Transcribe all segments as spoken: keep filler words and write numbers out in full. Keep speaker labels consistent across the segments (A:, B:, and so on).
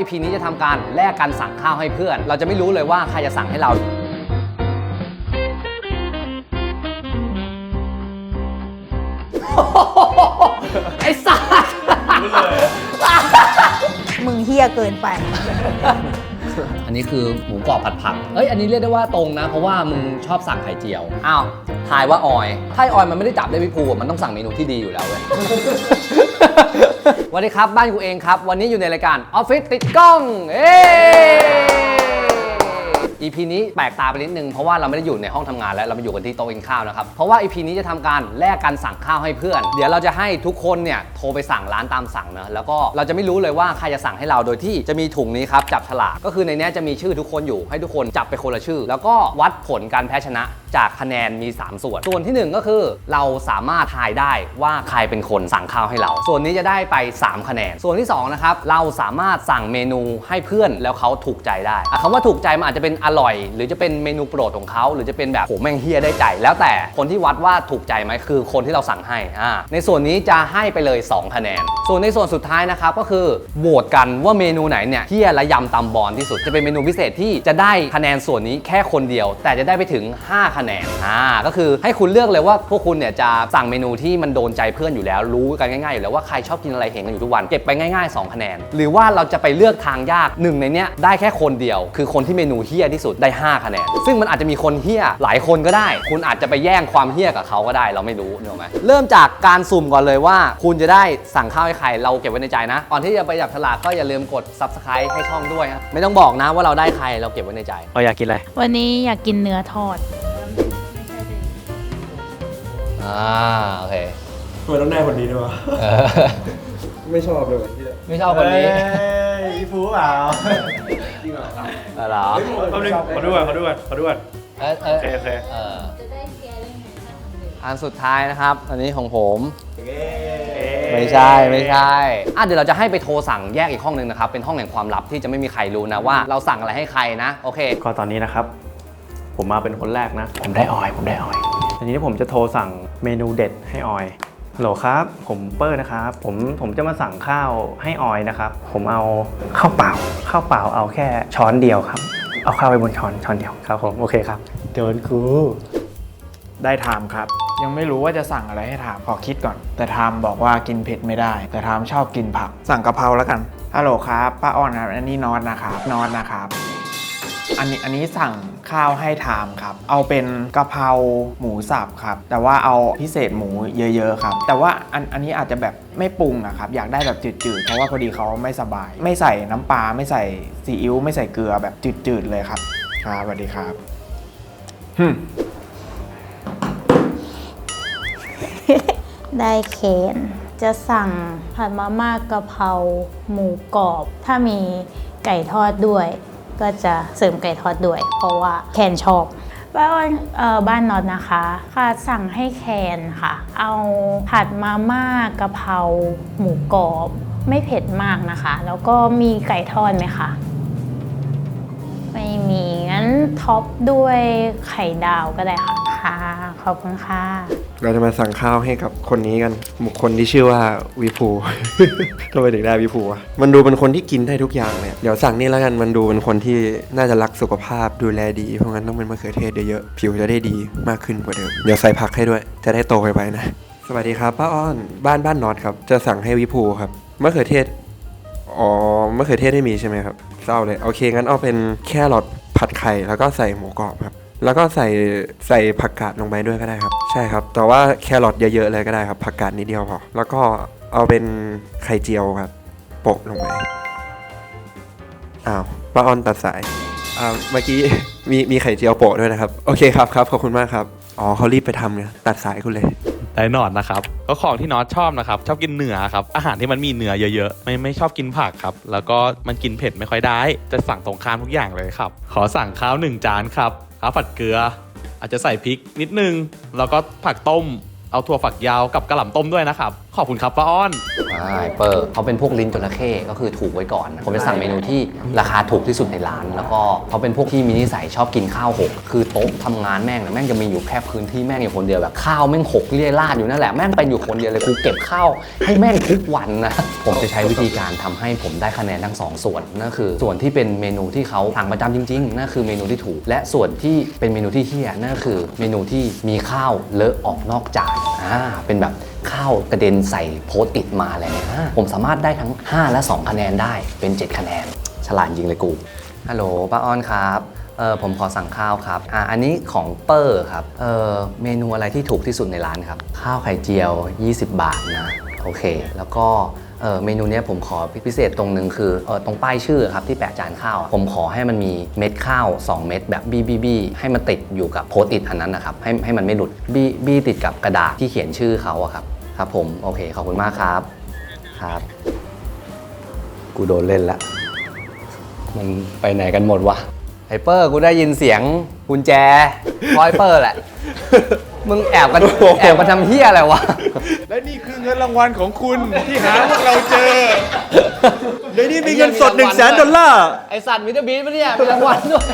A: อี พี นี้จะทำการแลกกันสั่งข้าวให้เพื่อนเราจะไม่รู้เลยว่าใครจะสั่งให้เราไอ้สัส
B: มึงเฮี้ยเกินไป
A: อันนี้คือหมูกรอบผัดผักเอ้ยอันนี้เรียกได้ว่าตรงนะเพราะว่ามึงชอบสั่งไข่เจียวอ้าวทายว่าออยถ้าออยมันไม่ได้จับได้พี่ภูมันต้องสั่งเมนูที่ดีอยู่แล้วเว้ย สวัสดีครับบ้านกูเองครับวันนี้อยู่ในรายการออฟฟิศติดกล้องเอ้ อี พี นี้แปลกตาไปนิดนึงเพราะว่าเราไม่ได้อยู่ในห้องทำงานแล้วเรามาอยู่กันที่โต๊ะกินข้าวนะครับเพราะว่า อี พี นี้จะทำการแลกกันสั่งข้าวให้เพื่อนเดี๋ยวเราจะให้ทุกคนเนี่ยโทรไปสั่งร้านตามสั่งนะแล้วก็เราจะไม่รู้เลยว่าใครจะสั่งให้เราโดยที่จะมีถุงนี้ครับจับฉลากก็คือในนี้จะมีชื่อทุกคนอยู่ให้ทุกคนจับไปคนละชื่อแล้วก็วัดผลการแพ้ชนะจากคะแนนมีสามส่วนส่วนที่หนึ่งก็คือเราสามารถทายได้ว่าใครเป็นคนสั่งข้าวให้เราส่วนนี้จะได้ไปสามคะแนนส่วนที่สองนะครับเราสามารถสั่งเมนูให้เพื่อนแล้วเขาถูกใจได้คำว่าถูกใจมันอาจจะเป็นอร่อยหรือจะเป็นเมนูโปรดของเขาหรือจะเป็นแบบโหแม่งเฮียได้ใจแล้วแต่คนที่วัดว่าถูกใจไหมคือคนที่เราสั่งให้อ่าในส่วนนี้จะให้ไปเลยสองคะแนนส่วนในส่วนสุดท้ายนะครับก็คือโหวตกันว่าเมนูไหนเนี่ยเฮียและยำตำบอลที่สุดจะเป็นเมนูพิเศษที่จะได้คะแนนส่วนนี้แค่คนเดียวแต่จะได้ไปถึงห้าคะแนนอ่าก็คือให้คุณเลือกเลยว่าพวกคุณเนี่ยจะสั่งเมนูที่มันโดนใจเพื่อนอยู่แล้วรู้กันง่ายๆอยู่แล้วว่าใครชอบกินอะไรเห็นกันอยู่ทุกวันเก็บไปง่ายๆสองคะแนนหรือว่าเราจะไปเลือกทางยากหนึ่งในเนี้ยได้แค่คนเดียวคือคนที่เมนูเฮี้ยที่สุดได้ห้าคะแนนซึ่งมันอาจจะมีคนเฮี้ยหลายคนก็ได้คุณอาจจะไปแย่งความเฮี้ยกับเขาก็ได้เราไม่รู้เนอะไหมเริ่มจากการสุ่มก่อนเลยว่าคุณจะได้สั่งข้าวให้ใครเราเก็บไว้ในใจนะก่อนที่จะไปจับฉลากก็อย่าลืมกด ซับสไครบ์ ให้ช่องด้วยครับไม่ต้องบอกนะว่าเราได้ใครเราเก็บไว้ในใจ
C: เราอยากกินอะไร
B: วันนี้อยากกินเนื้อทอด
A: อ่าโอเค
D: ทำไมต้องได้คนนี้ด้วยวะไม่ชอบเลย
A: ไม่ชอบคนนี้
D: อีฟูเปล่า
A: จริงเหรอครับเหรอ
D: เขาดูเขาดูเขาดูเขาดู
A: เออเออโอเคโอเคเอออันสุดท้ายนะครับอันนี้ของผมไม่ใช่ไม่ใช่อ่ะเดี๋ยวเราจะให้ไปโทรสั่งแยกอีกห้องนึงนะครับเป็นห้องแห่งความลับที่จะไม่มีใครรู้นะว่าเราสั่งอะไรให้ใครนะโอเค
C: ก็ตอนนี้นะครับผมมาเป็นคนแรกนะผมได้ออยผมได้ออยทีนี้ผมจะโทรสั่งเมนูเด็ดให้ออยฮัลโหลครับผมเปอร์นะครับผมผมจะมาสั่งข้าวให้ออยนะครับผมเอาข้าวเปล่าข้าวเปล่าเอาแค่ช้อนเดียวครับเอาข้าวไปบนช้อนช้อนเดียวครับผมโอเคครับโดนครู
E: ได้ไทม์ครับยังไม่รู้ว่าจะสั่งอะไรให้ไทม์ขอคิดก่อนแต่ไทม์บอกว่ากินเผ็ดไม่ได้แต่ไทม์ชอบกินผักสั่งกะเพราแล้วกันฮัลโหลครับป้าอ้อนครับอันนี้นอตนะครับนอตนะครับอันนี้อันนี้สั่งข้าวให้ไทม์ครับเอาเป็นกะเพราหมูสับครับแต่ว่าเอาพิเศษหมูเยอะๆครับแต่ว่าอันอันนี้อาจจะแบบไม่ปรุงอะครับอยากได้แบบจืดๆเพราะว่าพอดีเขาไม่สบายไม่ใส่น้ำปลาไม่ใส่ซีอิ๊วไม่ใส่เกลือแบบจืดๆเลยครับครับสวัสดีครับฮึ
B: ได้เคนจะสั่งผัดมาม่ากะเพราหมูกรอบถ้ามีไก่ทอดด้วยก็จะเสริมไก่ทอดด้วยเพราะว่าแคนชอบบ้านเอ่อบ้านน็อตนะคะค่ะสั่งให้แคนค่ะเอาผัดมาม่ากะเพราหมูกรอบไม่เผ็ดมากนะคะแล้วก็มีไก่ทอดไหมคะไม่มีงั้นท็อปด้วยไข่ดาวก็ได้ค่ะค่ะขอบคุณค่ะ
D: เราจะมาสั่งข้าวให้กับคนนี้กันบุคคลที่ชื่อว่าวิภู ทำไมถึงได้วิภูอ่ะมันดูเป็นคนที่กินได้ทุกอย่างเลยเดี๋ยวสั่งนี่แล้วกันมันดูเป็นคนที่น่าจะรักสุขภาพดูแลดีเพราะงั้นต้องเป็นมะเขือเทศเยอะๆผิวจะได้ดีมากขึ้นกว่าเดิมเดี๋ยวใส่ผักให้ด้วยจะได้โตไปๆนะสวัสดีครับป้าอ้อนบ้านบ้านน็อตครับจะสั่งให้วิภูครับมะเขือเทศอ๋อมะเขือเทศไม่มีใช่ไหมครับเศร้าเลยโอเคงั้นเอาเป็นแครอทผัดไข่แล้วก็ใส่หมูกรอบครับแล้วก็ใส่ใส่ผักกาดลงไปด้วยก็ได้ครับใช่ครับแต่ว่าแครอทเยอะๆเลยก็ได้ครับผักกาดนิดเดียวพอแล้วก็เอาเป็นไข่เจียวครับโปะลงไปอ้าวป้าออนตัดสายอ่าเมื่อกี้มีมีไข่เจียวโปะด้วยนะครับโอเคครับครับขอบคุณมากครับอ๋อเขารีบไปทำเนี่ยตัดสายคุณเลย
F: ได้นอนนะครับก็ของที่น็อตชอบนะครับชอบกินเนื้อครับอาหารที่มันมีเนื้อเยอะๆไม่ไม่ชอบกินผักครับแล้วก็มันกินเผ็ดไม่ค่อยได้จะสั่งตรงข้ามทุกอย่างเลยครับขอสั่งข้าวหนึ่งจานครับข้าวผัดเกลืออาจจะใส่พริกนิดนึงแล้วก็ผักต้มเอาถั่วฝักยาวกับกระหล่ำต้มด้วยนะครับขอบคุณครับป้าอ้อน
A: อ่าเปอร์เขาเป็นพวกลิ้นจระเข้ก็คือถูกไว้ก่อนนะผมจะสั่งเมนูที่ราคาถูกที่สุดในร้าน แล้วก็เขาเป็นพวกที่มีนิสัยชอบกินข้าวหกคือโต๊ะทำงานแม่งนะแม่งจะมีอยู่แค่พื้นที่แม่งอยู่คนเดียวแบบข้าวแม่งหกเลี่ยราดอยู่นั่นแหละแม่งเป็นอยู่คนเดียวเลยกูเก็บข้าวให้แม่งทุกวันนะผมจะใช้วิธีการทำให้ผมได้คะแนนทั้งสองส่วนนั่นคือส่วนที่เป็นเมนูที่เขาสั่งประจำจริงๆนั่นคือเมนูที่ถูกและส่วนที่เป็นเมนูที่เฮี้ยนั่นคือเมนูที่มีข้าวเลอะออกนอกจานอ่าเป็นแบบข้าวกระเด็นใส่โพสต์อิทมาอะไรเงี้ยผมสามารถได้ทั้งห้าและสองคะแนนได้เป็นเจ็ดคะแนนฉลาดจริงเลยกูฮัลโหลป้าอ้อนครับเออผมขอสั่งข้าวครับอ่าอันนี้ของเปอร์ครับเออเมนูอะไรที่ถูกที่สุดในร้านครับข้าวไข่เจียวยี่สิบบาทนะโอเคแล้วก็เออเมนูเนี้ยผมขอพิเศษตรงนึงคือเออตรงป้ายชื่อครับที่แปะจานข้าวผมขอให้มันมีเม็ดข้าวสองเม็ดแบบบี้บี้บี้ให้มันติดอยู่กับโพสต์อิทอันนั้นนะครับให้ให้มันไม่หลุดบี้บี้ติดกับกระดาษที่เขียนชื่อเขาอะครับครับผมโอเคขอบคุณมากครับครับกูโดนเล่นละมันไปไหนกันหมดวะไฮเปอร์กูได้ยินเสียงกุญแจพอยเปอร์แหละมึงแอบกันแอบกันทำเฮี้ยอะไรวะ
E: และนี่คือเงินรางวัลของคุณที่หาพวกเราเจอ
D: ในนี้มีเงินสดหนึ่งแสนดอลลาร์
A: ไอสัตว์มิสเตอร์บีนปะเนี่ยมีรางวัลด้วย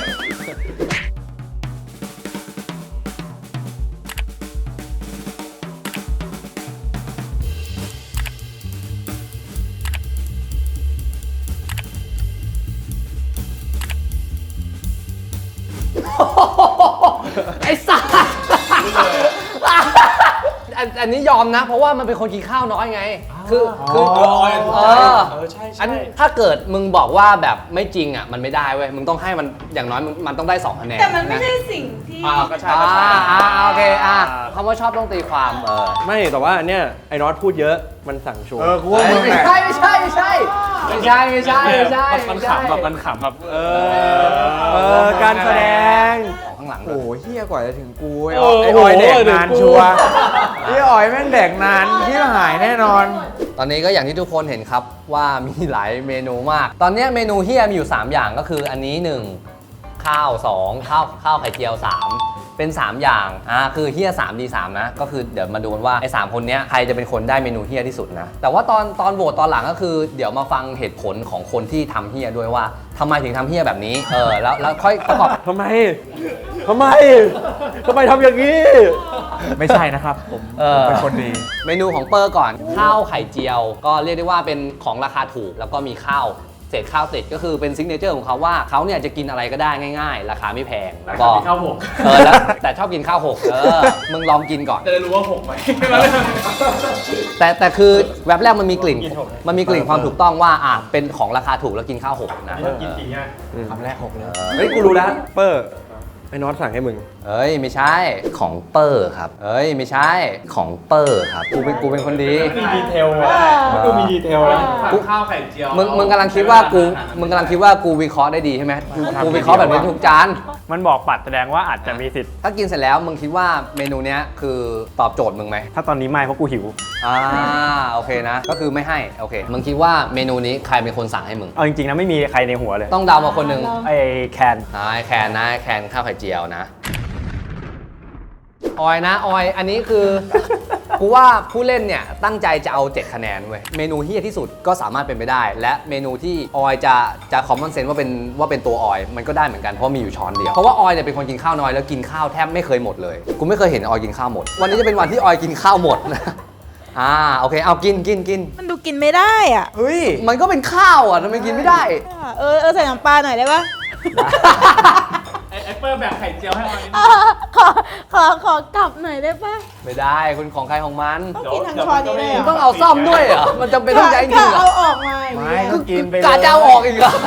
A: ไอสัตว์อันอันนี้ยอมนะ เพราะว่ามันเป็นคนกินข้าวน้อยไง คือคือเอออันถ้าเกิดมึงบอกว่าแบบไม่จริงอ่ะมันไม่ได้เว้ยมึงต้องให้มันอย่างน้อยมันมันต้องได้สองคะแนน
G: แต่มันไม่ใช่สิ่งที่
A: อ่าก็ใช่ก็ใช่อ่าโอเคอ่ะคำว่าชอบต้องตีความเออ
D: ไม่แต่ว่าเนี่ยไอ้น็อตพูดเยอะมันสั่งโชว์
E: เออกูว่ามึง
A: ไม่
E: แหละ
A: ใช่ไม่ใช่ไม่ใช่ไม่ใช่ไม่ใช่ไม่ใช่
F: มันขำแบบมันขำแบบเอ
D: เออการแสดง
A: ของข้างหลังเล
E: โอ้
A: ย
E: โหเฮี้ยกว่าจะถึงกูไอ้ออยไอ้ออยแดกนานชัวร์ไอ้ออยแม่งแดกนานที่หายแน่นอน
A: ตอนนี้ก็อย่างที่ทุกคนเห็นครับว่ามีหลายเมนูมาก ตอนนี้เมนูเฮียมีอยู่ สาม อย่างก็คืออันนี้ หนึ่ง ข้าว สอง ข้าวข้าวไข่เจียว สาม เป็น สาม อย่างอ่าคือเฮียสามดีสามนะก็คือเดี๋ยวมาดูกันว่าไอ้สามคนเนี้ยใครจะเป็นคนได้เมนูเฮียที่สุดนะแต่ว่าตอนตอนโหวตตอนหลังก็คือเดี๋ยวมาฟังเหตุผลของคนที่ทำเฮียด้วยว่าทำไมถึงทำเฮียแบบนี้เออแล้วแล้วค่อยประกอบ
D: ทำไม ทำไม ทำไมทำอย่างนี้
E: ไม่ใช่นะครับผม
A: เอ
E: ผม
A: อ
E: เป็นคนดี
A: เมนูของเปอร์ก่อนข้าวไข่เจียว ก็เรียกได้ว่าเป็นของราคาถูกแล้วก็มีข้าวเศษข้าวติดก็คือเป็นซิกเนเจอร์ของเขาว่าเขาเนี่ยจะกินอะไรก็ได้ง่ายๆ ราคาไม่แพงแล้วก็ข้าวหกเออแล้วแต่ชอบกินข้าวหกเออมึงลองกินก่อนจะได้รู้ว่าหกไหมแต่แต่คือแวบแรกมันมีกลิ่นมันมีกลิ่นความถูกต้องว่าอ่ะเป็นของราคาถูกแล้วกินข้าวหกนะ
E: คำแรกหกเลย
D: เฮ้ย กูรู้แล้ว เปอร์ ไอ้น็อตสั่งให้มึง
A: เอ้ยไม่ใช่ของเปอร์ครับเอ้ยไม่ใช่ของเปอร์ครับกูเป็นกูเป็นคนดี
G: มีดีเทลดูมีดีเทลแล้ว
A: กูข้าวไข่เจียวมึงมึงกำลังคิดว่ากูมึงกำลังคิดว่ากูวิเคราะห์ได้ดีใช่ไหมกูกูวิเคราะห์แบบนี้ทุกจาน
C: มันบอกปัดแสดงว่าอาจจะมีสิทธิ์
A: ถ้ากินเสร็จแล้วมึงคิดว่าเมนูเนี้ยคือตอบโจทย์มึงไหม
C: ถ้าตอนนี้ไม่เพราะกูหิว
A: อ่าโอเคนะ ก็คือไม่ให้โอเคมึงคิดว่าเมนูนี้ใครเป็นคนสั่งให้มึง
C: เอาจริงๆนะไม่มีใครในหัวเลย
A: ต้องเดามาคนหนึ่ง
C: ไอ้แคน
A: นายแคนนะแคนข้าวไข่เจียวนะออยนะออยอันนี้คือ กูว่าผู้เล่นเนี่ยตั้งใจจะเอาเจ็ดคะแนนเว้ยเมนูเฮี้ยที่สุดก็สามารถเป็นไปได้ และเมนูที่ออยจะจะคอมมอนเซนส์ว่าเป็นว่าเป็นตัวออยมันก็ได้เหมือนกันเพราะมีอยู่ช้อนเดียวเพราะว่าออยเนี่ยเป็นคนกินข้าวน้อยแล้วกินข้าวแทบไม่เคยหมดเลยกูไม่เคยเห็นออยกินข้าวหมดวันนี้จะเป็นวันที่ออยกินข้าวหมดนะอ่าโอเคเอากินกินกิน
G: มันดูกินไม่ได้อ่ะ
A: เฮ้ยมันก็เป็นข้าวอ่ะทำไมกินไม่ได้
G: เออเออใส่น้ำปลาหน่อยได้ปะ
F: ไอเปอร์แบบไข่เจียวให้ออย
G: เออขอขอขอกลับหน่อยได้ปะ
A: ไม่ได้คุณของใครของมัน
G: ต้องกินทั้งช้อนนี้เลยเหร
A: มึงต้องเอาซ่อมด้วยเหรอมันจำเป็นต้องใช้จริงเหร
G: เอา
A: อ
G: ออกมาอย่าง
E: ไม่
G: เงี้ย
E: ก็กินไปเลย
A: กาจะเอาออกอีกเหรอ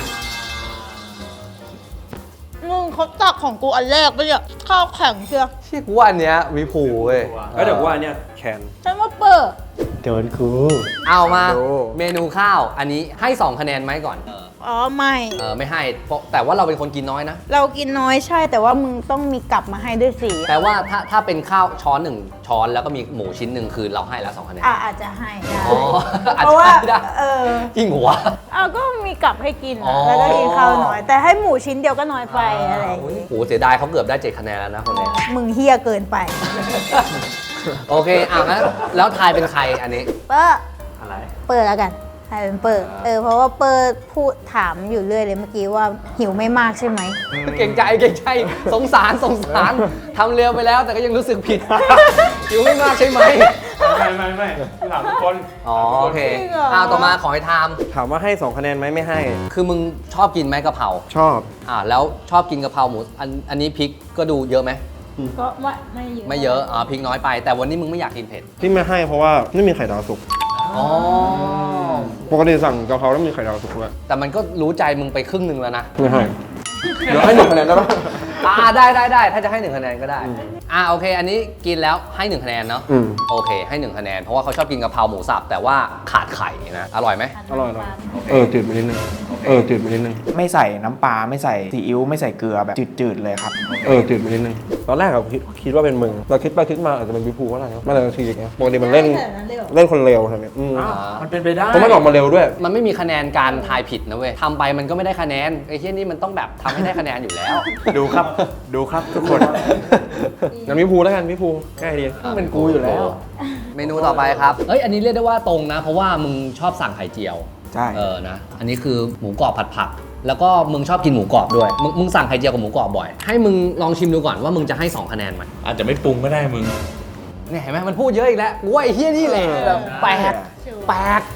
G: มึงเขาตักของกูอันแรกไปเนี่ยข้าวแข็งเชียว
A: เชี่ยกูว่าอันเนี้ยวิภูเว้ย
D: แล้วเดี๋ยวกูว่าเนี่ยแคน
G: ฉันว่าเปิด
C: โดนกู
A: เอามา
E: ดู
A: เมนูข้าวอันนี้ให้สองคะแนนไหมก่อน
G: อ๋อไม่
A: เออไม่ให้เพราะแต่ว่าเราเป็นคนกินน้อยนะ
G: เรากินน้อยใช่แต่ว่ามึงต้องมีกลับมาให้ด้วยสิ
A: แต่ว่าถ้าถ้าเป็นข้าวช้อนหนึ่งช้อนแล้วก็มีหมูชิ้นหนึ่งคือเราให้แล้วสองคะแนน
G: อ่ะอาจจะให้ได้
A: อ๋ออาจ
G: เพราะ
A: จะ
G: ว่า
A: ให้ได้
G: เออ
A: จริงหัว
G: เอาก็มีกลับให้กิน
A: อ๋
G: อะ
A: อ
G: แล้วก็กินข้าวน้อย แต่ให้หมูชิ้นเดียวก็น้อยไปอะไรอย่าง
A: โอ้
G: งี้
A: โหเสียดายเขาเกือบได้เจ็ดคะแนนแล้วนะคนนี้
G: มึงเฮี้ยเกินไป
A: คโอเคอ่ะงั้นแล้วทายเป็นใครอันนี้
B: เปอร์
C: อะไร
B: เปิดแล้วกันให้เป็นเปิดเออเพราะว่าเปิดพูดถามอยู่เรื่อยเลยเมื่อกี้ว่าหิวไม่มากใช่ไหม
A: เก่งใจเก่งใจสงสารสงสารทำเร็วไปแล้วแต่ก็ยังรู้สึกผิด อยู่ไม่มากใช่ไหม
C: ไม่ไม่ไม่ถามทุกคน
A: อ๋อโอเค
G: จริงเหรอ
A: อ้าวต่อมาขอให้ทาม
D: ถามว่าให้สองคะแนนไหมไม่ให้
A: คือมึงชอบกินไหมกะเพรา
D: ชอบ
A: อ่าแล้วชอบกินกะเพราหมูอันอันนี้พริกก็ดูเยอะไหม
B: ก็ไม่ไม่เยอะ
A: ไม่เยอะอ่าพริกน้อยไป แต่วันนี้มึงไม่อยากกินเผ็ด
D: ที่ไม่ให้เพราะว่าไม่มีไข่ดาวสุก
A: อ๋อ
D: ปกติสั่งกะเพราแล้วมีไข่ดาวสุกด้วย
A: แต่มันก็รู้ใจมึงไปครึ่งหนึ่งแล้วนะ
D: ไม่ให้ เดี๋ยวให้หนึ่งคะแนนได้ปะ
A: อ่าได้ได้ได้ถ้าจะให้หนึ่งคะแนนก็ได้อ่าโอเค อันนี้กินแล้วให้หนึ่งคะแนนเนาะ
D: อืม
A: โอเคให้หนึ่งคะแนนเพราะว่าเขาชอบกินกะเพราหมูสับแต่ว่าขาดไข่นะอร่อยไหม
D: อร่อยอร่อยเออจืดไปนิดนึง เออจืดไปนิดนึง
E: ไม่ใส่น้ำปลาไม่ใส่ซีอิ๊วไม่ใส่เกลือแบบจืดๆเลยครับ
D: เออจืดไปนิดนึง ตอนแรกอะคิดคิดว่าเป็นมึงเราคิดไปคิดมาอาจจะเป็นวิภูก็ได้นะไม่เลยทีอย่างเงี้ยปกติมันเล่นเล่นคนเร็วทำไมอืม
E: มันเป็นไปได้
D: เพราะมันออกมาเร็วด้วย
A: มันไม่มีคะแนนการทายผิดนะเว้ยทำไปมันก็ไม่ได้คะแนนไอ้เหี้ยนี่มันต้องแบบทำให้ได้คะแนนอยู่แล้ว
E: ดูครับ ดูครับทุกคน
D: งั้นวิภูแล้วกันวิภูง่ายดี
E: เป็นกูอยู่แล้ว
A: เมนูต่อไปครับเอ้ยอันนี้เรียกได้ว่าตรงนะ เพราะว่ามึงชอบสั่งไข่เจียว
E: ใช่
A: เออนะอันนี้คือหมูกรอบผัดผัก แล้วก็มึงชอบกินหมูกรอบด้วยมึงมึงสั่งไข่เจียวกับหมูกรอบบ่อยให้มึงลองชิมดูก่อนว่ามึงจะให้สองคะแนนไหม
F: อาจจะไม่ปรุงก็ได้มึง
A: เนี่ยเห็นไหมมันพูดเยอะอีกแล้วกูว่าไอ้เหี้ยนี่แหละแบบแปลกแปลก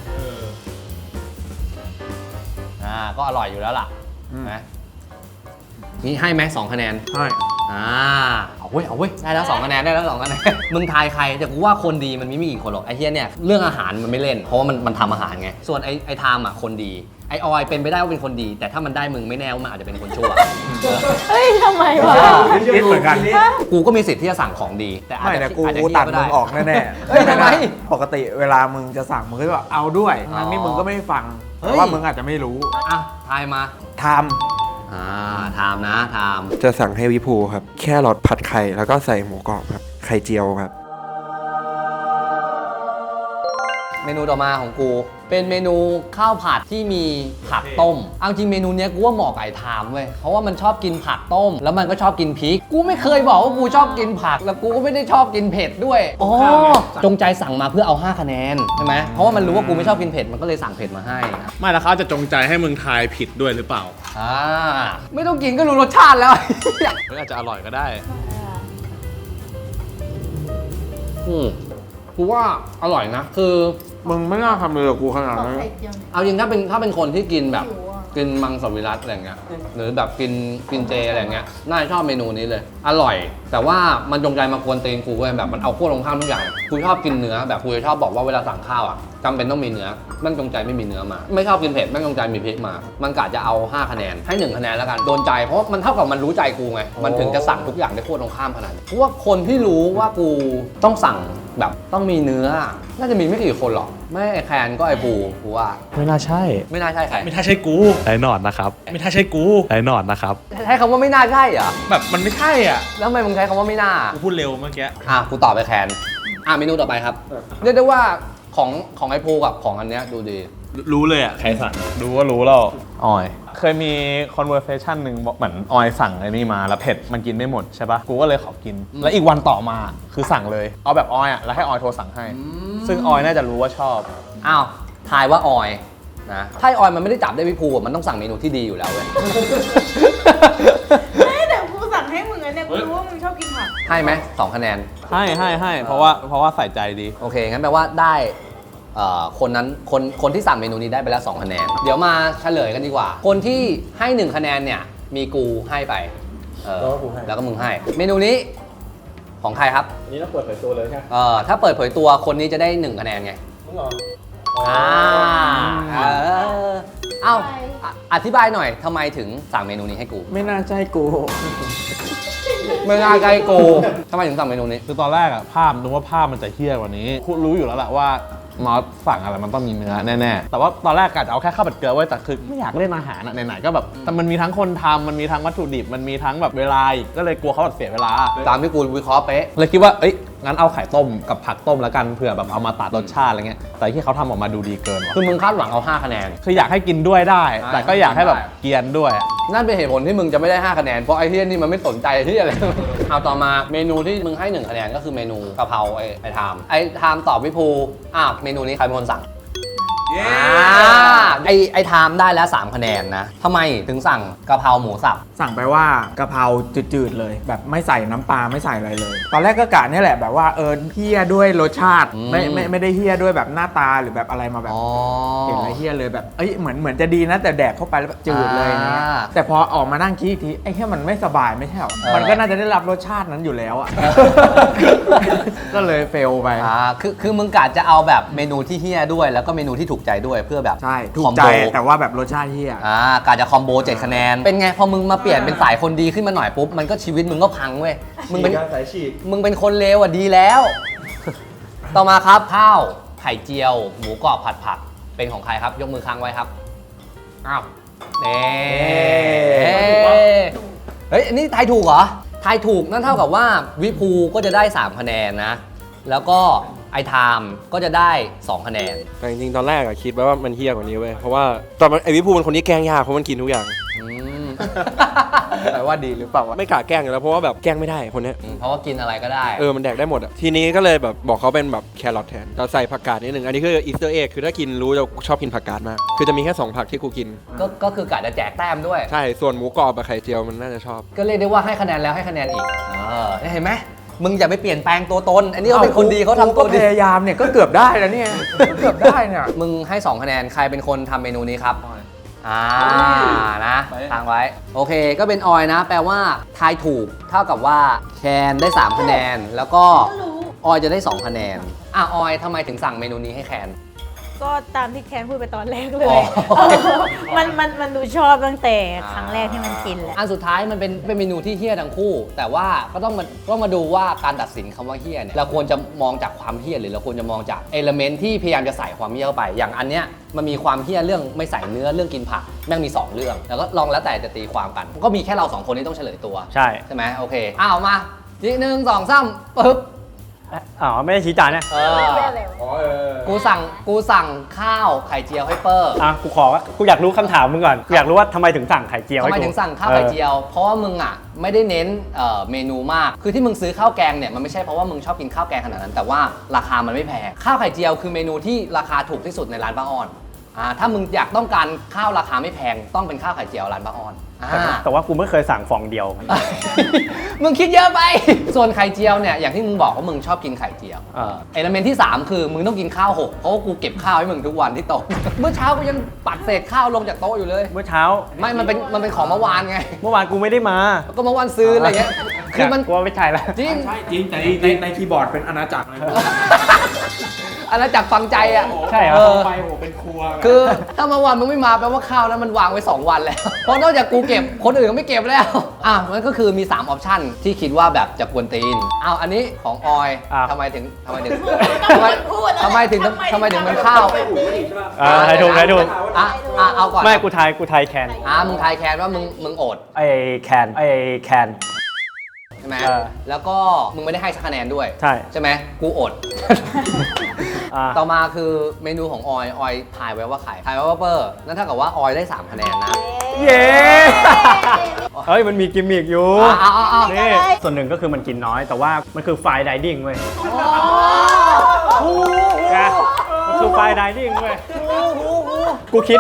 A: อ่าก็อร่อยอยู่แล้วล่ะนะนี่ให้ไหมสองคะแนน
E: ใช่
A: อ่าเอาเว้ยเอาเว้ยได้แล้วสองคะแนนได้แล้วสองคะแนน มึงทายใครแต่กูว่าคนดีมันไม่มีกี่คนหรอกไอ้เฮียเนี่ยเรื่องอาหารมันไม่เล่นเพราะว่ามันมันทำอาหารไงส่วนไอ้ไอ้ไทม์อ่ะคนดีไอ้ออยเป็นไปได้ว่าเป็นคนดี แต่ถ้ามันได้มึงไม่แน่ว่ามันอาจจะเป็นคนชั่ว
B: เฮ้ยทำไมวะ
E: คิดเหมือนกัน
A: กูก็มีสิทธิ์ที่จะสั่งของดี แต่อาจ
E: ไม่
A: จะ
E: แต่กู
A: อาจจะ
E: กู
A: เหี้ย
E: ตัด
A: ก็
E: มึ
A: ได้
E: งออกแน่ๆ
A: เฮ้ยทำไม
E: ปกติเวลามึงจะสั่งมึงก็แบบเอาด้วยทั้งนี้มึงก็ไม่ฟัง
A: เฮ้ย
E: เพราะว่ามึงอาจจะไม่รู้
A: อ่ะทายมา
E: ท
A: อ่าไทม์นะไทม์
D: จะสั่งให้วิภูครับ แค่รอทผัดไข่แล้วก็ใส่หมูกรอบครับ ไข่เจียวครับ
A: เมนูต่อมาของกู เป็นเมนูข้าวผัดที่มีผักต้มเอาจริงเมนูเนี้ยกูว่าเหมาะกับไอ้ไทม์เว้ยเพราะว่ามันชอบกินผักต้ม แล้วมันก็ชอบกินพริก กูไม่เคยบอกว่ากูชอบกินผัก แล้วกูก็ไม่ได้ชอบกินเผ็ดด้วยอ๋อจงใจสั่งมาเพื่อเอาห้าคะแนนใช่ไหมเพราะว่ามันรู้ว่ากูไม่ชอบกินเผ็ดมันก็เลยสั่งเผ็ดมาให้
F: ไม่แล้วเขาจะจงใจให้มึงทายผิดด้วยหรือเปล่า
A: อ่าไม่ต้องกินก็รู้รสชาติแล้ว
F: หรืออาจจะอร่อยก็ได้
A: อืมกูว่าอร่อยนะ คือ
E: ำมึงไม่น่าทำเลยกับกูขนาดนั้น
A: เอาจริงถ้าเป็นถ้าเป็นคนที่กินแบบกินมังสวิรัติอะไรเงี้ยหรือแบบกินกินเจอะไรเงี้ยน่าจะชอบเมนูนี้เลย อร่อย แต่ว่ามันจงใจมากวนตีนกูเว้ยแบบมันเอาขั้วลงข้ามทุกอย่างกูชอบกินเนื้อแบบกูจะชอบบอกว่าเวลาสั่งข้าวอ่ะจำเป็นต้องมีเนื้อมันจงใจไม่มีเนื้อมา ไม่ชอบกินเผ็ดไม่จงใจมีพริกมา มันกะจะเอาห้าคะแนนให้หนึ่งคะแนนแล้วกันโดนใจเพราะมันเท่ากับมันรู้ใจกูไงมันถึงจะสั่งทุกอย่างได้ขั้วตรงข้ามขนาดนี้เพราะว่าคนที่รู้ว่ากูต้องสั่งแบบต้องมีเนื้อน่าจะมีไม่กี่คนหรอกไม่ไอแคนก็ไอปูกูว่า
F: ไม่น่าใช่
A: ไม่น่าใช่ใคร
F: ไม่น่าใช่กูไอ้หนอนนะครับ ไม่น่าใช่กูไอ้หนอนนะครับ
A: ใช้คำว่าไม่น่าใช่เหรอ
F: แบบมันไม่ใช่อ่ะ
A: แล้วทำไมมึงใช้คำว่าไม่น่า
F: กูพูดเร็วเมื่อกี้
A: อ่ะกูตอบไปแคนอ่ะเมนูต่อไปครับ เรียกได้ว่าของของไอพูกับของอันเนี้ยดูดี
F: รู้เลยอ่ะ ใครสั่ง
H: รู้ว่ารู้แล้วออย เคยมี conversation หนึ่งบอกเหมือนออยสั่งไอ้นี่มาแล้วเผ็ดมันกินไม่หมดใช่ปะกูก็เลยขอกิน แล้วอีกวันต่อมาคือสั่งเลย เอาแบบออยอ่ะแล้วให้ออยโทรสั่งให้ ซึ่งออยน่าจะรู้ว่าชอบ
A: อ้าวทายว่าออยนะถ้าออยมันไม่ได้จับได้พี่ภูอะมันต้องสั่งเมนูที่ดีอยู่แล้วเว้ย
G: ไม่แต่กูสั่งให้มึงอันเนี่ยกูรู้ว่ามึงชอบกินผัก
A: ให้ไหมสองคะแนน
H: ให้ให้ให้เพราะว่าเพราะว่าใส่ใจดี
A: โอเค งั้นแปลว่าได้เอ่อคนนั้นคนคนที่สั่งเมนูนี้ได้ไปแล้วสองคะแนน เดี๋ยวมาเฉลยกันดีกว่า คนที่ให้หนึ่งคะแนนเนี่ยมีกูให้ไปเออแล้วก็มึงให้ เมนูนี้ของใครครับ
C: นี่เราเปิดเผยตัวเลยใช่ไหม
A: เออถ้าเปิดเผยตัวคนนี้จะได้หนึ่งคะแนนไง
C: มึงเหรอ
A: อ่าเออเอ้าอ่ะอธิบายหน่อยทำไมถึงสั่งเมนูนี้ให้กู
E: ไม่น่าใช่กู
A: ไม่ง่ายไกลกูทำไมถึงสั่งเมนูนี้
H: คือตอนแรกอะภาพนึกว่าภาพมันจะเฮี้ยกว่านี้คุณรู้อยู่แล้วแหละว่ามอสสั่งอะไรมันต้องมีเนื้อแน่ๆแต่ว่าตอนแรกกะจะเอาแค่ข้าวผัดเกลือไว้แต่คือไม่อยากเล่นอาหารอะไหนๆก็แบบแต่มันมีทั้งคนทำมันมีทั้งวัตถุดิบมันมีทั้งแบบเวลาอีกก็เลยกลัวเขาแบบเสียเวลา
A: ตามที่กูวิเคราะห์เป๊ะ
H: เลยคิดว่าเอ้ยงั้นเอาไข่ต้มกับผักต้มแล้วกันเผื่อแบบเอามาตัดรสชาติอะไรเงี้ยแต่ที่เขาทำออกมาดูดีเกินว่ะ
A: คือมึงคาดหวังเอาห้าคะแนน
H: คืออยากให้กินด้วยได้
A: อ่า
H: แต่ก็อยากให้แบบ
A: ได้
H: เกรียนด้วย
A: อนั่นเป็นเหตุผลที่มึงจะไม่ได้ห้าคะแนนเพราะไอ้เฮียนี่มันไม่สนใจที่อะไร เอาต่อมาเมนูที่มึงให้หนึ่งคะแนนก็คือเมนูกะเพราไอ้ไอ้ไทม์ไอ้ไทม์ตอบวิภูอ่ะเมนูนี้ใครเป็นคนสั่งอ่าไอ้ไอ้ไทม์ได้แล้วสามคะแนนนะทำไมถึงสั่งกะเพราหมูสับ
E: สั่งไปว่ากะเพราจืดๆเลย แบบไม่ใส่น้ำปลาไม่ใส่อะไรเลย ตอนแรกก็กะเนี่ยแหละแบบว่าเออเฮี้ยด้วยรสชาติ
A: อืม
E: ไม่ไม่ไม่ได้เฮี้ยด้วยแบบหน้าตาหรือแบบอะไรมาแบบ
A: อ๋อ
E: เห็นอะไรเฮี้ยเลยแบบเอ้ยเหมือนเหมือนจะดีนะแต่แดกเข้าไปแล้วแบบจืดเลยนะ
A: อ่า
E: แต่พอออกมานั่งคิดอีกทีไอ้แค่มันไม่สบายไม่ใช่หรอ
A: เออ
E: มันก็น่าจะได้รับรสชาตินั้นอยู่แล้วอ่ะ ก็เลยเฟลไป
A: อ่าคือคือมึงกะจะเอาแบบเมนูที่เฮี้ยด้วยแล้วก็เมนูที่ถูกใจด้วยเพื่อแบบ
E: ใช่ถู
A: ค
E: ก
A: อม
E: ใจ
A: โบ
E: แต่ว่าแบบรสชาติเฮี้ย
A: อ่ากะจะคอมโบเจ็ดคะแนนเป็นไงพอมึงมาเปลี่ยนเป็นสายคนดีขึ้นมาหน่อยปุ๊บมันก็ชีวิตมึงก็พังเว้ยมึงเป็น
D: สายฉีก
A: มึงเป็นคนเลวอ่ะดีแล้ว ต่อมาครับข้าวไข่เจียว หมูกรอบผัดผักเป็นของใครครับ ยกมือค้างไว้ครับอ้าวเน่เฮ้ยอันนี้ทายถูกเหรอทายถูกนั่นเท่ากับว่าวิภูก็จะได้สามคะแนนนะ แล้วก็ไอไทม์ก็จะได้สองคะแนน
D: แต่จริงๆตอนแรกอะคิดไว้ว่ามันเฮี้ยกว่านี้เว้ยเพราะว่าตอนมันไอวิภูเป็นคนที่แกล้งยากเพราะมันกินทุกอย่าง
A: อืม
E: แต่ว่าดีหรือเปล่าวะ
D: ไม่กล้าแกล้งอยู่แล้วเพราะว่าแบบแกล้งไม่ได้คนเนี้ย
A: เพราะว่ากินอะไรก็ได้
D: เออมันแดกได้หมดอะทีนี้ก็เลยแบบบอกเขาเป็นแบบแครอทแทนเราใส่ผักกาดนิดนึงอันนี้คืออีสเตอร์เอ็กคือถ้ากินรู้จะชอบกินผักกาดมากคือจะมีแค่สองผักที่กูกิน
A: ก็ก็คือกะจะแจกแต้มด้วย
D: ใช่ส่วนหมูกรอบกับไข่เจียวมันน่าจะชอบ
A: ก็เรียกได้ว่าให้คะแนนแล้วให้คะแนนอีกเออเห็นไหมมึงอย่าไปเปลี่ยนแปลงตัวตน อันนี้เขาเป็นคนดีเขาทำตัว
E: ก็พ
A: ดี
E: ยายามเนี่ยก็เกือบได้แล้วเนี่ยก็เกือบได้เนี่ย
A: มึงให้สองคะแนนใครเป็นคนทำเมนูนี้ครับอ่านะทางไว้ โอเคก็เป็นออยนะ แปลว่าทายถูกเท่ากับว่าแคนได้สามคะแนน แล้วก็ออยจะได้สองคะแนนอ่ะออยทำไมถึงสั่งเมนูนี้ให้แคน
B: ก็ตามที่แคนพูดไปตอนแรกเล
A: อ๋
B: ย
A: อ
B: มันมันมันดูชอบตั้งแต่ครั้งแรกที่มันกินแหละ
A: อันสุดท้ายมันเป็นเป็นเมนูที่เฮี้ยทั้งคู่ แต่ว่าก็ต้องมาต้องมาดูว่าการตัดสินคำว่าเฮี้ยเนี่ยเราควรจะมองจากความเฮี้ยหรือเราควรจะมองจากเอลเมนต์ที่พยายามจะใส่ความเฮี้ยเข้าไป อย่างอันเนี้ยมันมีความเฮี้ยเรื่องไม่ใส่เนื้อเรื่องกินผักแม่งมีสองเรื่อง แล้วก็ลองแล้วแต่จะตีความกัน ก็มีแค่เราสองคนที่ต้องเฉลยตัว
C: ใช่
A: ใช่ไหมโอเคอ้าวมาทีหนึ่งสองสามปึ๊บ
C: อ๋อไม่ได้ชี้จานเนี่ย
A: เออกูสั่งกูสั่งข้าวไข่เจียวให้เปอร์
C: อ่ะกูขอว่ากูอยากรู้คำถามมึงก่อนกูอยากรู้ว่าทำไมถึงสั่งไข่เจียว
A: ทำ
C: ให้
A: ไม
C: กู
A: ถึงสั่งข้าวไข่เจียว เพราะว่ามึงอ่ะไม่ได้เน้นเอ่อเมนูมาก คือที่มึงซื้อข้าวแกงเนี่ยมันไม่ใช่เพราะว่ามึงชอบกินข้าวแกงขนาดนั้น แต่ว่าราคามันไม่แพง ข้าวไข่เจียวคือเมนูที่ราคาถูกที่สุดในร้านป้าอ้อนอ่าถ้ามึงอยากต้องการข้าวราคาไม่แพงต้องเป็นข้าวไข่เจียวร้านป้าอ้อนอ่า
C: แต่แต่ว่ากูไม่เคยสั่งฟองเดียว
A: มึงคิดเยอะไป ส่วนไข่เจียวเนี่ยอย่างที่มึงบอกว่ามึงชอบกินไข่เจียว
C: เออ
A: เอลเมนต์ที่สามคือมึงต้องกินข้าวหกเพราะว่ากูเก็บข้าวให้มึงทุกวันที่โต๊ะ เมื่อเช้ากูยังปัดเศษข้าวลงจากโต๊ะอยู่เลย
C: เมื่อเช้า
A: ไม่ มันเป็น มันเป็นของเมื่อวานไง
C: เมื่อวานกูไม่ได้มา
A: ก็เมื่อวานซื้ออะไรเงี้ย คือมัน
C: กูว่าไม่ใช่ละ
A: จริง
E: ใช่จริงแต่ในในคีย์บอร์ดเป็นอาณาจักรเลย
A: อาณาจักรฟังใจอ่ะ
C: ใช่เหรอ
A: เออ
E: ไปโหเป็นครัว
A: คือถ้าเมื่อวานมึงไม่มาแปลว่าข้าวนั้นมันวางไว้สองวันแล้ว เพราะนอกจากกูเก็บ คนอื่นก็ไม่เก็บแล้ว อ่ะมันก็คือมีสามออปชั่นที่คิดว่าแบบจะกวนตีนอ้าวอันนี้ของออย
C: อ่ะ
A: ทำไมถึงทำไมถึงทำไมทำไมถึงทำไมถึงเป็นข้าว
C: อ่าใครถูกใครถูก
A: อ่ะอ่ะเอาก่อน
C: ไม่กูทายกูทายแคน
A: อ่ะมึงทายแคนว่ามึงมึงโอด
C: ไอแคนไอแคน
A: ใช่ไหม
C: เออ
A: แล้วก็มึงไม่ได้ให้สักคะแนนด้วย
C: ใช่
A: ใช่ไหมกูอด
C: อ่า
A: ต่อมาคือเมนูของออย ออยทายไว้ว่าไข่ทายไว้ว่าเปอร์ นั่นเท่ากับว่าออยได้สามคะแนนนะ
C: เย้ เฮ้ยมันมีกิมมิกอยู่
A: เอาเอาเอา
C: นี่ส่วนหนึ่งก็คือมันกินน้อย แต่ว่ามันคือไฟน์ไดนิ่งเว้ยนะมันคือไฟน์ไดนิ่งเว้ยกูคิด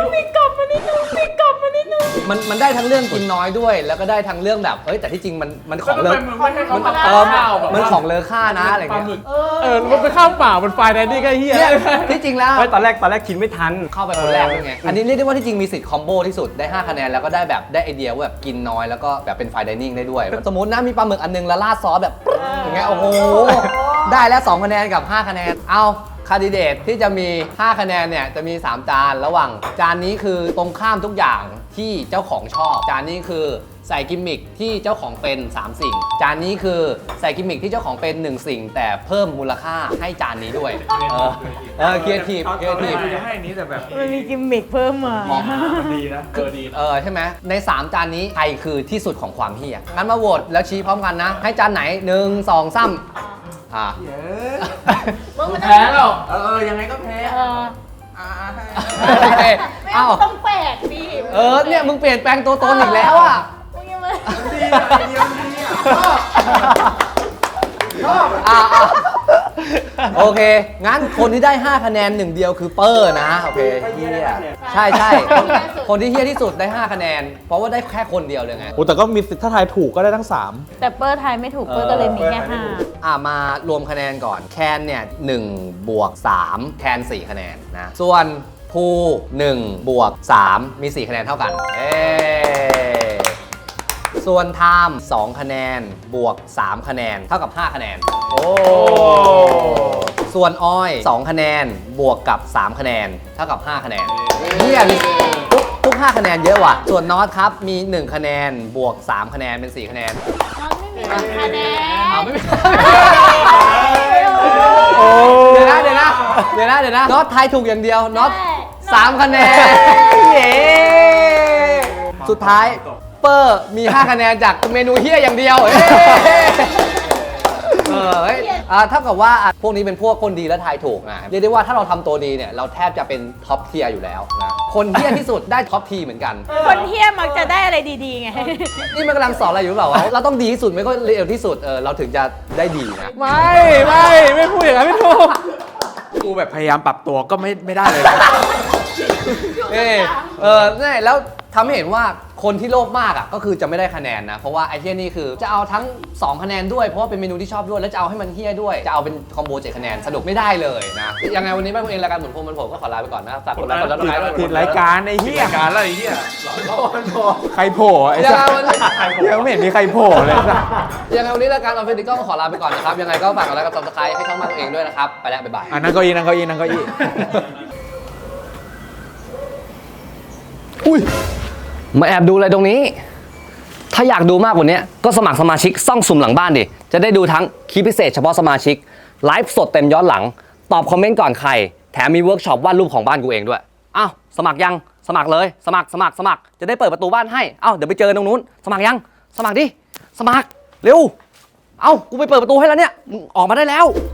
A: มันมันได้ทั้งเรื่องกินน้อยด้วย แล้วก็ได้ทั้งเรื่องแบบ เฮ้ยแต่ที่จริงมันมันของเลอ
H: มัน
A: เออมันของเลอค่านะอะไรเงี้ย
H: เออมันเป็นข้าวเปล่ามันไฟแดนดี้ก็เฮีย
A: เนี่ยที่จริงแล้ว
C: เฮ้ยตอนแรกตอนแรกคิดไม่ทัน
A: เข้าไปคนแรกด้วยไง อันนี้เรียกได้ว่าที่จริงมีสิทธิ์คอมโบที่สุด ได้ห้าคะแนนแล้วก็ได้แบบได้ไอเดียว่าแบบกินน้อยแล้วก็แบบเป็นไฟน์ไดนิ่งได้ด้วย สมมตินะมีปลาหมึกอันนึงแล้วราดซอสแบบอย่างเงี้ยโอ้โห ได้แล้วสองคะแนนกับห้าคะแนน เอาคาดิเดตที่จะมีห้าคะแนนเนี่ยจะมีสามจานระหว่างจานนี้คือตรงข้ามทุกอย่างที่เจ้าของชอบ จานนี้คือใส่กิมมิคที่เจ้าของเป็นสามสิ่ง จานนี้คือใส่กิมมิคที่เจ้าของเป็นหนึ่งสิ่ง แต่เพิ่มมูลค่าให้จานนี้ด้วย เออเออครีเอทีฟครีเอทีฟ
E: จะให้อันนี้แต่แบบ
B: มันมีกิมมิคเพิ่มมา
E: ดีนะเออดี
A: เออใช่ไหมในสามจานนี้ใครคือที่สุดของความเฮี้ยงั้นมาโหวตแล้วชี้พร้อมกันนะ ให้จานไหนหนึ่งสองสามอ่ะ
E: แพ้แล้วเออยังไงก็แพ้
B: เออ
A: เอ้า
G: ต้องแปลกดิ
A: เเออเนี่ยมึงเปลี่ยนแปลงตัวตนอีกแล้วอ่ะ
B: มึงยังไม่
A: อ่ะอ่ะโอเค งั้นคนที่ได้ห้าคะแนนหนึ่งเดียวคือเปอร์นะ โอเคเฮียใช่ใช่คนคนที่เฮียที่สุดได้ห้าคะแนน เพราะว่าได้แค่คนเดียวเลยไง
H: โอ้แต่ก็มีสิทธิ์ถ้าทายถูกก็ได้ทั้งสาม
B: แต่เปอร์ทายไม่ถูกเปอร์ก็เลยมีแค่ห้า
A: อ่ะมารวมคะแนนก่อน แคนเนี่ยหนึ่งบวกสามแคนสี่คะแนนนะ ส่วนภูหนึ่งบวกสามมีสี่คะแนนเท่ากัน เอ้ส่วนไทม์สองคะแนนบวกสามคะแนนเท่ากับห้าคะแนน โอ้ ส่วนออยสองคะแนนบวกกับสามคะแนนเท่ากับห้าคะแนนเนี่ยมีทุกทุกห้าคะแนนเยอะว่ะ ส่วนน็อตครับมีหนึ่งคะแนนบวกสามคะแนนเป็นสี่คะแนน
B: น้องไม่มีคะแนน
A: อ้าวไม่มีเดี๋ยวนะเดี๋ยวนะเดี๋ยวนะเดี๋ยวนะน็อตทายถูกอย่างเดียวน็อตสามคะแนนเย้สุดท้ายเปอร์มีห้าคะแนนจากเมนูเฮี้ยอย่างเดียวเฮ้เออเฮ้ยอ่าเท่ากับว่าอ่ะพวกนี้เป็นพวกคนดีและทายถูกนะเรียกได้ว่าถ้าเราทำตัวดีเนี่ยเราแทบจะเป็นท็อปเทียร์อยู่แล้วนะคนเฮี้ยที่สุดได้ท็อปทีเหมือนกัน
B: คนเที่ยมักจะได้อะไรดีๆไง
A: นี่มันกำลังสอนอะไรอยู่หรือเปล่าวะเราต้องดีที่สุดไม่ก็เร็วที่สุดเออเราถึงจะได้ดีนะ
H: ไม่ไม่ไม่พูดอย่างนั้นไม่ถูก
E: กูแบบพยายามปรับตัวก็ไม่ไม่ได้เลย
A: เออเออนี่แล้วทำให้เห็นว่าคนที่โลภมากอ่ะก็คือจะไม่ได้คะแนนนะ เพราะว่าไอ้เฮี้ยนี่คือจะเอาทั้งสองคะแนนด้วยเพราะว่าเป็นเมนูที่ชอบด้วยแล้วจะเอาให้มันเฮี้ยด้วยจะเอาเป็นคอมโบเจ็ดคะแนนสนุกไม่ได้เลยนะยังไงวันนี้บ้านผมเองรายการหมุนพวงมันผมก็ขอลาไปก่อนนะฝากกดไลค์กดซับสไครต์ด้วย
E: ผิดรายการไอ้เหี้ย
H: การอะไรเหี้ย
E: ใครโผล่ไอ้
A: ยัง
E: สั
A: ไง
E: ส
A: วันนี้
E: ยังไม่เห็นมีใครโผล่เลยสัส
A: ยังไงวันนี้รายการออฟฟิศก็ขอลาไปก่อนนะครับยังไงก็ฝากกดไลค์กดซับสไครต์ให้ช่องบ้านตัวเองด้วยนะครับไปแล้วบ๊ายบาย
E: อ่ะนั่งเก้าอี้นั่งเก้าอี้นั่งเก้าอี้
A: อุ้ยมาแอบดูอะไรตรงนี้ ถ้าอยากดูมากกว่านี้ก็สมัครสมาชิกซ่องสุ่มหลังบ้านดิ จะได้ดูทั้งคลิปพิเศษเฉพาะสมาชิก ไลฟ์สดเต็มย้อนหลัง ตอบคอมเมนต์ก่อนใคร แถมมีเวิร์กช็อปวาดรูปของบ้านกูเองด้วย อ้าว สมัครยัง สมัครเลย สมัคร สมัคร สมัคร จะได้เปิดประตูบ้านให้ อ้าว เดี๋ยวไปเจอตรงนู้น สมัครยัง สมัครดิ สมัคร เร็ว เอ้า กูไปเปิดประตูให้แล้วเนี่ย ออกมาได้แล้ว